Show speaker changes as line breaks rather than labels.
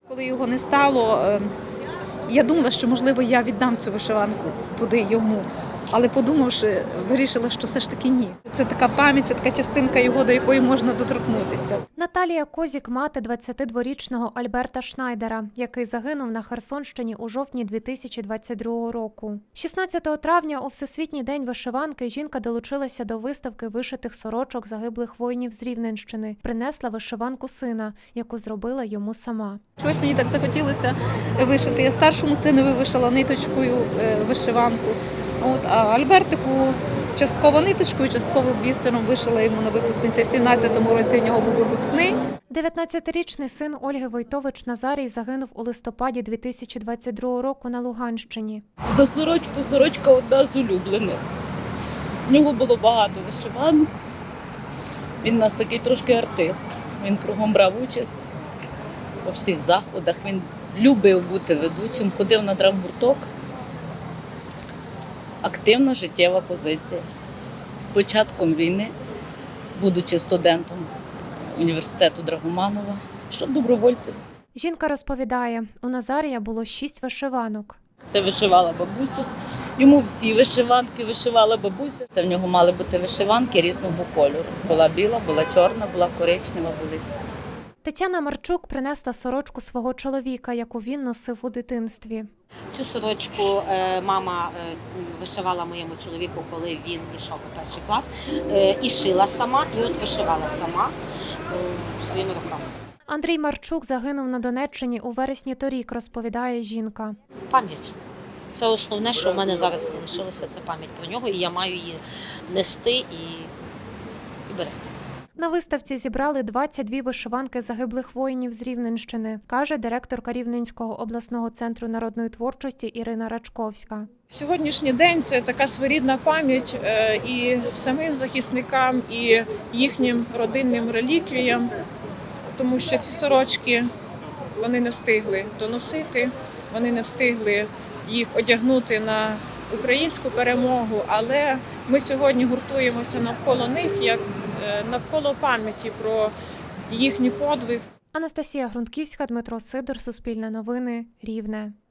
Коли його не стало, я думала, що, можливо, я віддам цю вишиванку туди йому. Але подумавши, вирішила, що все ж таки ні. Це така пам'ять, це така частинка його, до якої можна доторкнутися.
Наталія Козік – мати 22-річного Альберта Шнайдера, який загинув на Херсонщині у жовтні 2022 року. 16 травня у Всесвітній день вишиванки жінка долучилася до виставки вишитих сорочок загиблих воїнів з Рівненщини. Принесла вишиванку сина, яку зробила йому сама.
Чогось мені так захотілося вишити. Я старшому синові вишила ниточкою вишиванку. А Альбертику частково ниточкою, частково бісером вишила йому на випускниці. В 17-му році у нього був випускний.
19-річний син Ольги Войтович Назарій загинув у листопаді 2022 року на Луганщині.
За сорочку, сорочка одна з улюблених. В нього було багато вишиванок. Він у нас такий трошки артист. Він кругом брав участь у всіх заходах. Він любив бути ведучим, ходив на драмгурток. Активна життєва позиція. З початком війни, будучи студентом університету Драгоманова, йшов добровольцем.
Жінка розповідає, у Назарія було 6 вишиванок.
Це вишивала бабуся. Йому всі вишиванки вишивала бабуся. Це в нього мали бути вишиванки різного кольору. Була біла, була чорна, була коричнева, були всі.
Тетяна Марчук принесла сорочку свого чоловіка, яку він носив у дитинстві.
Цю сорочку мама вишивала моєму чоловіку, коли він йшов у 1-й клас. І шила сама, і от вишивала сама своїми руками.
Андрій Марчук загинув на Донеччині у вересні торік, розповідає жінка.
Пам'ять. Це основне, що в мене зараз залишилося, це пам'ять про нього, і я маю її нести і берегти.
На виставці зібрали 22 вишиванки загиблих воїнів з Рівненщини, каже директорка Рівненського обласного центру народної творчості Ірина Рачковська.
Сьогоднішній день – це така своєрідна пам'ять і самим захисникам, і їхнім родинним реліквіям, тому що ці сорочки вони не встигли доносити, вони не встигли їх одягнути на українську перемогу, але ми сьогодні гуртуємося навколо них, як навколо пам'яті про їхній подвиг.
Анастасія Грунтківська, Дмитро Сидор, Суспільне новини, Рівне.